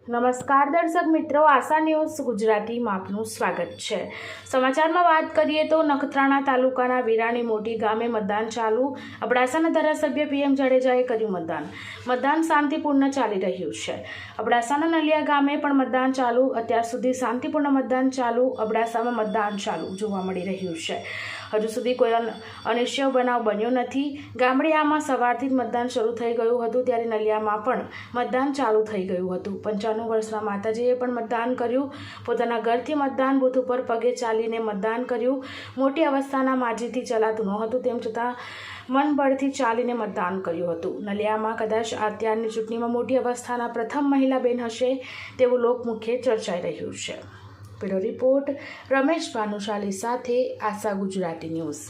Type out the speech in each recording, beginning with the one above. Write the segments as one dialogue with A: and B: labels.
A: નમસ્કાર દર્શક મિત્રો, આશા ન્યૂઝ ગુજરાતીમાં આપનું સ્વાગત છે। સમાચારમાં વાત કરીએ તો નખત્રાણા તાલુકાના વિરાણી મોટી ગામે મતદાન ચાલુ। અબડાસાના ધારાસભ્ય PM જાડેજાએ કર્યું મતદાન શાંતિપૂર્ણ ચાલી રહ્યું છે। અબડાસાના નલિયા ગામે પણ મતદાન ચાલુ। અત્યાર સુધી શાંતિપૂર્ણ મતદાન ચાલુ। અબડાસામાં મતદાન ચાલુ જોવા મળી રહ્યું છે। હજુ સુધી કોઈ અનિશ્ચય બનાવ બન્યો નથી। ગામડિયામાં સવારથી જ મતદાન શરૂ થઈ ગયું હતું, ત્યારે નલિયામાં પણ મતદાન ચાલુ થઈ ગયું હતું। 95 વર્ષના માતાજીએ પણ મતદાન કર્યું। પોતાના ઘરથી મતદાન બૂથ ઉપર પગે ચાલીને મતદાન કર્યું। મોટી અવસ્થાના માજીથી ચલાતું નહોતું, તેમ છતાં મનબળથી ચાલીને મતદાન કર્યું હતું। નલિયામાં કદાચ અત્યારની ચૂંટણીમાં મોટી અવસ્થાના પ્રથમ મહિલા બેન હશે તેવું લોકમુખે ચર્ચાઈ રહ્યું છે। બ્યુરો રિપોર્ટ રમેશ ભાનુશાલી સાથે આશા ગુજરાતી ન્યૂઝ।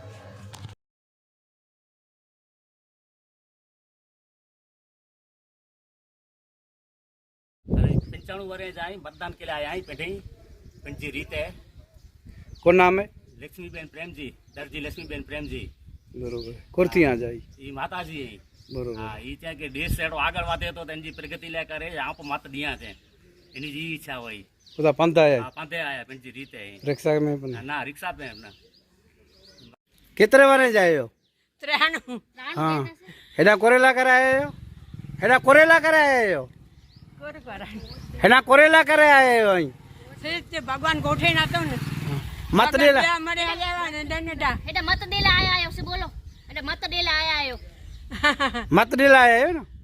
B: 95 वर्ष आई मतदान के लिए आया ही पेठी पंची रीत है।
C: कौन नाम है?
B: लक्ष्मीबेन प्रेम जी, दर्जी लक्ष्मीबेन प्रेम जी।
C: बरोबर कुर्ती आ जाई
B: ये माता जी है।
C: बरोबर
B: हाँ, ये क्या के देश से आगे वादे तो तेजी प्रगति ले करे यहाँ पर मत दिया थे इन्हीं जी इच्छा हुई
C: उदा पंथा है।
B: हाँ, पंथे आया पंची रीत है।
C: रिक्शा में पण
B: ना रिक्शा पे अपना
C: कितने वारे जायो? हाँ हेडा कोरेला कराए हो? हेडा कोरेला कराए हो? हेडा कोरेला कराए हो?
D: भगवान गोठे ना तो
C: मत देला
D: मत देला आया से बोलो मत देला आया
C: मत देला आए हो ना